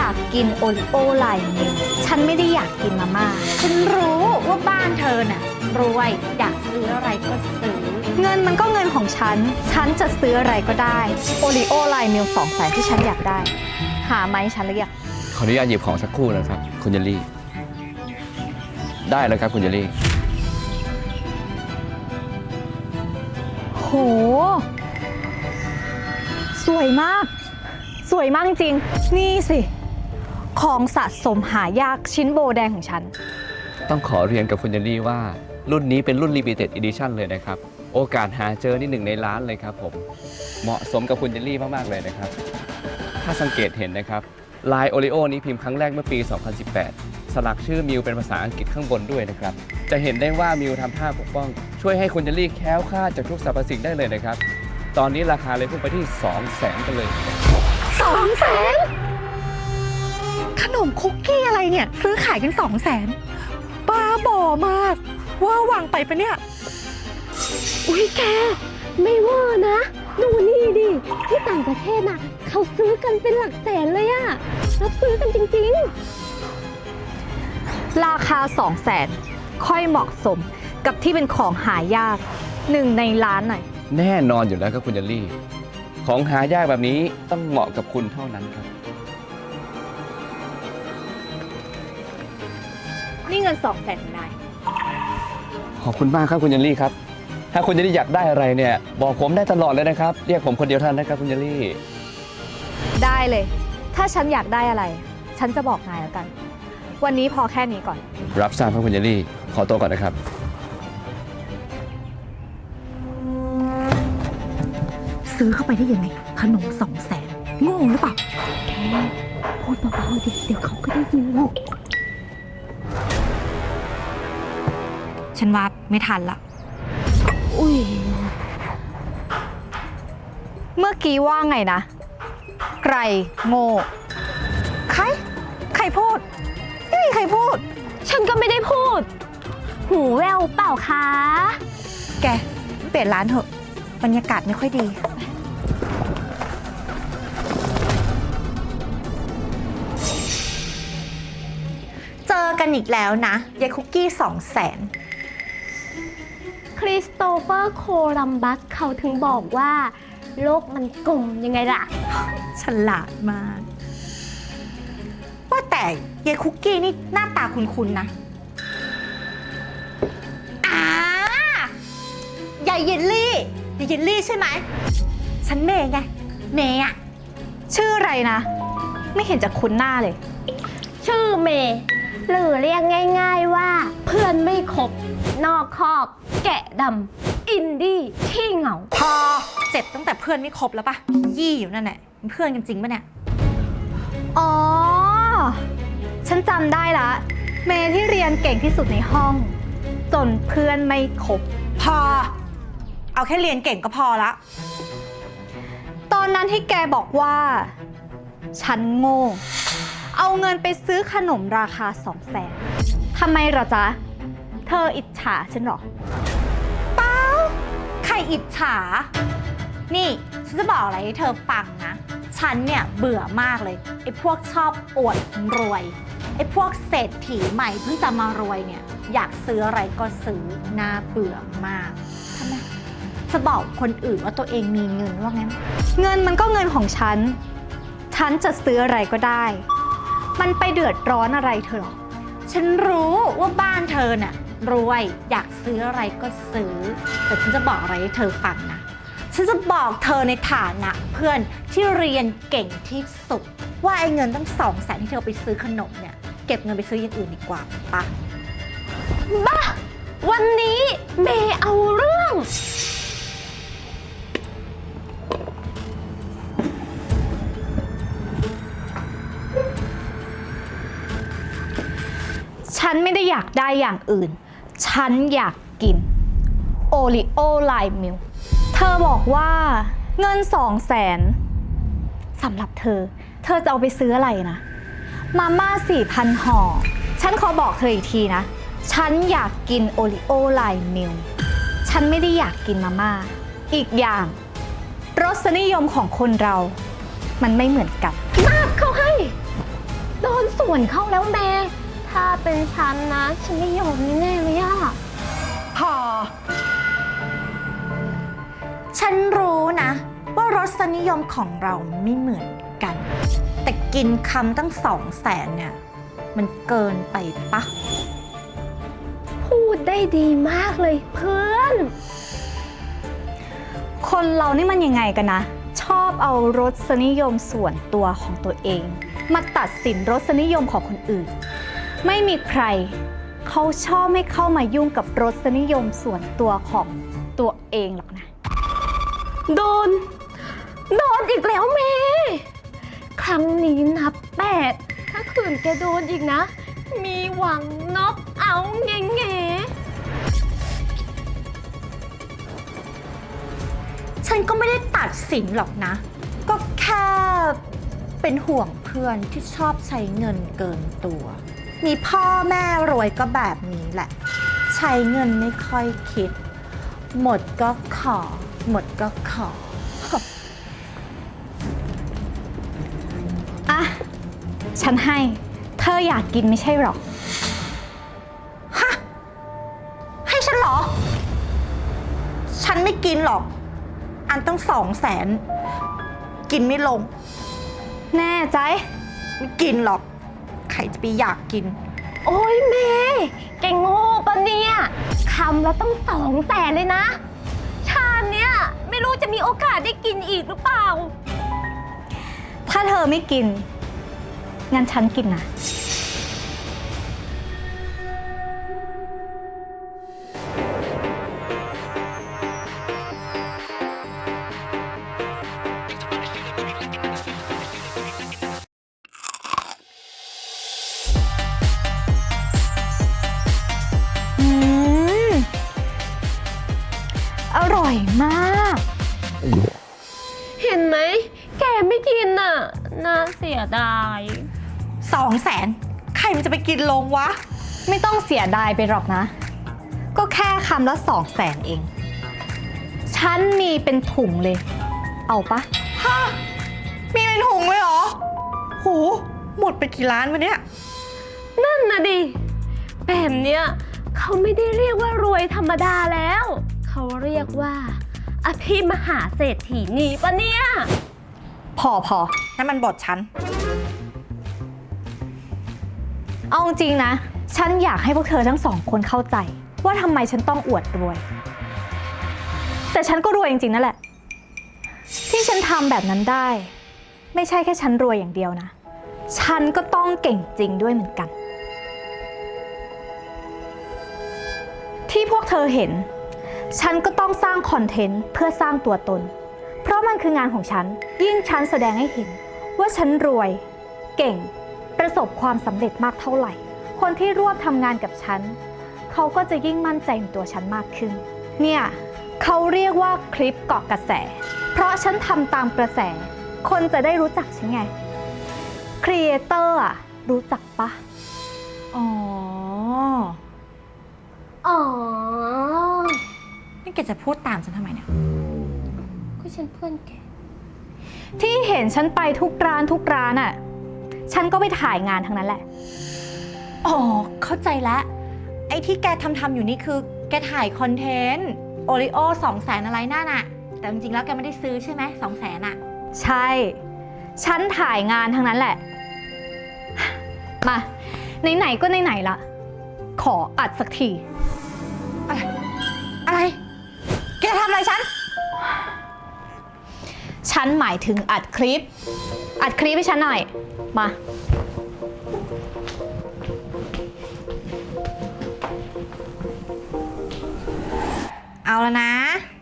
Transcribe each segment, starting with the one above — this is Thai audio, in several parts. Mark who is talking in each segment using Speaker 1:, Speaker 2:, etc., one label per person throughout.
Speaker 1: ากกินโอริโอไลน์มิลฉันไม่ได้อยากกินมาม่าฉันรู้ว่าบ้านเธอน่ะรวยอยากซื้ออะไรก็ซื้อเงินมันก็เงินของฉันจะซื้ออะไรก็ได้โอริโอไลน์มิล200,000ที่ฉันอยากได้หาไหมฉันหรือยัง
Speaker 2: ขออนุญาตหยิบของสักครู่นะครับคุณเยลลี่ได้แล้วครับคุณเยลลี่
Speaker 1: โหสวยมากสวยมากจริงๆนี่สิของสะสมหายากชิ้นโบแดงของฉัน
Speaker 2: ต้องขอเรียนกับคุณเยลลี่ว่ารุ่นนี้เป็นรุ่น Limited Edition เลยนะครับโอกาสหาเจอนี่1 ในล้านเลยครับผมเหมาะสมกับคุณเยลลี่มากๆเลยนะครับถ้าสังเกตเห็นนะครับลายโอริโอนี้พิมพ์ครั้งแรกเมื่อปี 2018 สลักชื่อมิวเป็นภาษาอังกฤษข้างบนด้วยนะครับจะเห็นได้ว่ามิวทำท่าปกป้องช่วยให้คุณเยลลี่แคล้วคลาดจากทุกสรรพสิ่งได้เลยนะครับตอนนี้ราคาเลยพุ่งไปที่ 200,000 กันเลย
Speaker 1: 200,000ขนมคุกกี้อะไรเนี่ยซื้อขายกัน200,000บ้าบอมากว่าหวังไปปะเนี่ย
Speaker 3: อุ้ยแกไม่ว่านะดูนี่ดิที่ต่างประเทศน่ะเขาซื้อกันเป็นหลักแสนเลยอะรับซื้อกันจริง
Speaker 1: ราคา200,000ค่อยเหมาะสมกับที่เป็นของหายาก1 ในล้านหน่อย
Speaker 2: แน่นอนอยู่แล้วครับคุณเยลลี่ของหายากแบบนี้ต้องเหมาะกับคุณเท่านั้นครับ
Speaker 1: นี่เงิน200,000ของนาย
Speaker 2: ขอบคุณมากครับคุณเยลลี่ครับถ้าคุณเยลลี่อยากได้อะไรเนี่ยบอกผมได้ตลอดเลยนะครับเรียกผมคนเดียวเท่านั้นนะครับคุณเยลลี่
Speaker 1: ได้เลยถ้าฉันอยากได้อะไรฉันจะบอกนายแล้วกันวันนี้พอแค่นี้ก่อน
Speaker 2: รับทราบครับคุณเยลลี่ขอตัวก่อนนะครับ
Speaker 1: ซื้อเข้าไปได้ยังไงขนม200,000โง่หรือเปล่า
Speaker 3: พูดเบาๆดิเดี๋ยวเขาก็ได้ยินหรอก
Speaker 1: ฉันว่าไม่ทันละ
Speaker 3: อุ้ย
Speaker 1: เมื่อกี้ว่าไงนะใครโง่ใครพูดไม่มีใครพูด
Speaker 3: ฉันก็ไม่ได้พูดหูแววเปล่าคะ
Speaker 1: แกเปลี่ยนร้านเถอะบรรยากาศไม่ค่อยดีเจอกันอีกแล้วนะยายคุกกี้200,000
Speaker 3: คริสโตเฟอร์โคลัมบัสเขาถึงบอกว่าโลกมันกลมยังไงล่ะ
Speaker 1: ฉลาดมากว่าแต่ยายคุกกี้นี่หน้าตาคุ้นๆนะยายเยลลี่ใช่ไหมฉันเมย์ไงเมย์อะชื่ออะไรนะไม่เห็นจะคุ้นหน้าเลย
Speaker 3: ชื่อเมย์หรือเรียกง่ายๆว่าเพื่อนไม่ครบนอกคอกแกะดำอินดี้ขี้เหงา
Speaker 1: พอเจ็บตั้งแต่เพื่อนไม่ครบแล้วปะยี่อยู่นั่นแหละเป็นเพื่อนกันจริงปะเนี่ยอ๋อฉันจำได้ละเมย์ที่เรียนเก่งที่สุดในห้องจนเพื่อนไม่ครบพอเอาแค่เรียนเก่งก็พอละตอนนั้นที่แกบอกว่าฉันโง่เอาเงินไปซื้อขนมราคา200,000ทำไมเหรอจ๊ะเธออิจฉาฉันหรอเปล่าใครอิจฉานี่ฉันจะบอกอะไรให้เธอฟังนะฉันเนี่ยเบื่อมากเลยไอ้พวกชอบอวดรวยไอ้พวกเศรษฐีใหม่เพิ่งจะมารวยเนี่ยอยากซื้ออะไรก็ซื้อน่าเบื่อมากทำไมจะบอกคนอื่นว่าตัวเองมีเงินว่างั้นเงินมันก็เงินของฉันจะซื้ออะไรก็ได้มันไปเดือดร้อนอะไรเธอหรอฉันรู้ว่าบ้านเธอน่ะรวยอยากซื้ออะไรก็ซื้อแต่ฉันจะบอกอะไรให้เธอฟังนะฉันจะบอกเธอในฐานะเพื่อนที่เรียนเก่งที่สุดว่าไอ้เงินตั้ง200,000ที่เธอไปซื้อขนมเนี่ยเก็บเงินไปซื้ออย่างอื่นดีกว่าปะ
Speaker 3: บ้าวันนี้เมย์เอาเรื่อง
Speaker 1: ฉันไม่ได้อยากได้อย่างอื่นฉันอยากกินโอริโอไลน์มิลเธอบอกว่าเงิน200,000สำหรับเธอจะเอาไปซื้ออะไรนะมาม่า 4,000 ห่อฉันขอบอกเธออีกทีนะฉันอยากกินโอริโอไลน์มิลฉันไม่ได้อยากกินมาม่าอีกอย่างรสนิยมของคนเรามันไม่เหมือนกัน
Speaker 3: มากเขาให้ส่วนเข้าแล้วเมย์ถ้าเป็นฉันนะ ฉันไม่ยอมแน่ๆเลยอะ
Speaker 1: พอ ฉันรู้นะ ว่ารสนิยมของเราไม่เหมือนกัน แต่กินคำตั้ง200,000เนี่ย มันเกินไปปะ
Speaker 3: พูดได้ดีมากเลยเพื่อน
Speaker 1: คนเรานี่มันยังไงกันนะ ชอบเอารสนิยมส่วนตัวของตัวเอง มาตัดสินรสนิยมของคนอื่น ไม่มีใครเขาชอบไม่เข้ามายุ่งกับรสนิยมส่วนตัวของตัวเองหรอกนะ
Speaker 3: โดนอีกแล้วเมย์ครั้งนี้นับ8ถ้าขืนแกโดนอีกนะ มีหวังน็อกเอาแง่
Speaker 1: ฉันก็ไม่ได้ตัดสินหรอกนะ ก็แค่เป็นห่วงเพื่อนที่ชอบใช้เงินเกินตัว มีพ่อแม่รวยก็แบบนี้แหละ ใช้เงินไม่ค่อยคิด หมดก็ขอ หมดก็ขอ อ่ะ ฉันให้ เธออยากกินไม่ใช่หรอ ฮะ ให้ฉันเหรอ ฉันไม่กินหรอก อันต้อง200,000กินไม่ลง แน่ใจ ไม่กินหรอก ใครจะไปอยากกิน
Speaker 3: ๆ โอ้ยเมย์แกโง่ปะเนี่ยคำละต้อง200,000เลยนะ ชาติเนี้ยไม่รู้จะมีโอกาสได้กินอีกหรือเปล่า
Speaker 1: ถ้าเธอไม่กิน งั้นฉันกินนะ อืม อร่อยมาก
Speaker 3: เห็นไหมแกไม่กินน่ะน่าเสียดาย
Speaker 1: 200,000 ใครมันจะไปกินลงวะ ไม่ต้องเสียดายไปหรอกนะ ก็แค่คำละ200,000เอง ฉันมีเป็นถุงเลย เอาปะฮะมีเป็นถุงเลยเหรอ โห หมดไปกี่ล้านวะเนี่ย
Speaker 3: นั่นนะดิแบบเนี้ยเขาไม่ได้เรียกว่ารวยธรรมดาแล้ว เขาเรียกว่าอภิมหาเศรษฐีนีปะเนี่ย
Speaker 1: พอนั่นมันบทฉัน เอาจริงนะ ฉันอยากให้พวกเธอทั้ง2 คนเข้าใจ ว่าทำไมฉันต้องอวดรวย แต่ฉันก็รวยจริงๆนั่นแหละ ที่ฉันทำแบบนั้นได้ ไม่ใช่แค่ฉันรวยอย่างเดียวนะ ฉันก็ต้องเก่งจริงด้วยเหมือนกัน ที่พวกเธอเห็น ฉันก็ต้องสร้างคอนเทนต์เพื่อสร้างตัวตน เพราะมันคืองานของฉัน ยิ่งฉันแสดงให้เห็นว่าฉันรวย เก่ง ประสบความสำเร็จมากเท่าไหร่ คนที่ร่วมทำงานกับฉัน เขาก็จะยิ่งมั่นใจในตัวฉันมากขึ้น เนี่ยเขาเรียกว่าคลิปเกาะกระแส เพราะฉันทำตามกระแส คนจะได้รู้จักฉันไง ครีเอเตอร์อะรู้จักปะ อ๋อ
Speaker 3: อ๋อ
Speaker 1: นี่แกจะพูดตามฉันทำไมเนี่ย
Speaker 3: ก็ฉันเพื่อนแก
Speaker 1: ที่เห็นฉันไปทุกร้านอ่ะ ฉันก็ไปถ่ายงานทั้งนั้นแหละ อ๋อ เข้าใจแล้ว ไอ้ที่แกทำอยู่นี่คือ แกถ่ายคอนเทนต์โอริโอ200,000อะไรนั่นน่ะ แต่จริงๆแล้วแกไม่ได้ซื้อใช่ไหม200,000อ่ะ ใช่ ฉันถ่ายงานทั้งนั้นแหละ มา ไหนๆก็ไหนๆละขออัดสักที อะไร แกทำอะไรฉัน ฉันหมายถึงอัดคลิปให้ฉันหน่อย มา เอาแล้วนะ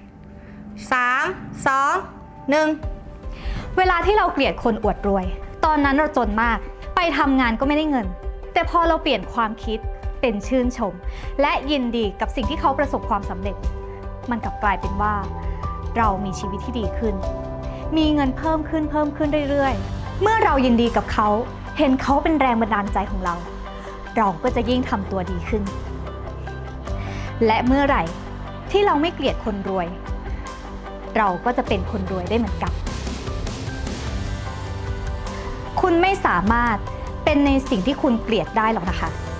Speaker 1: 3 2 1 เวลาที่เราเกลียดคนอวดรวย ตอนนั้นเราจนมาก ไปทำงานก็ไม่ได้เงิน แต่พอเราเปลี่ยนความคิดเป็นชื่นชม และยินดีกับสิ่งที่เขาประสบความสำเร็จ มันกลับกลายเป็นว่า เรามีชีวิตที่ดีขึ้น มีเงินเพิ่มขึ้นเรื่อยๆ เมื่อเรายินดีกับเขา เห็นเขาเป็นแรงบันดาลใจของเรา เราก็จะยิ่งทำตัวดีขึ้น และเมื่อไหร่ที่เราไม่เกลียดคนรวย เราก็จะเป็นคนรวยได้เหมือนกัน คุณไม่สามารถเป็เป็นในสิ่งที่คุณเกลียดได้หรอกนะคะ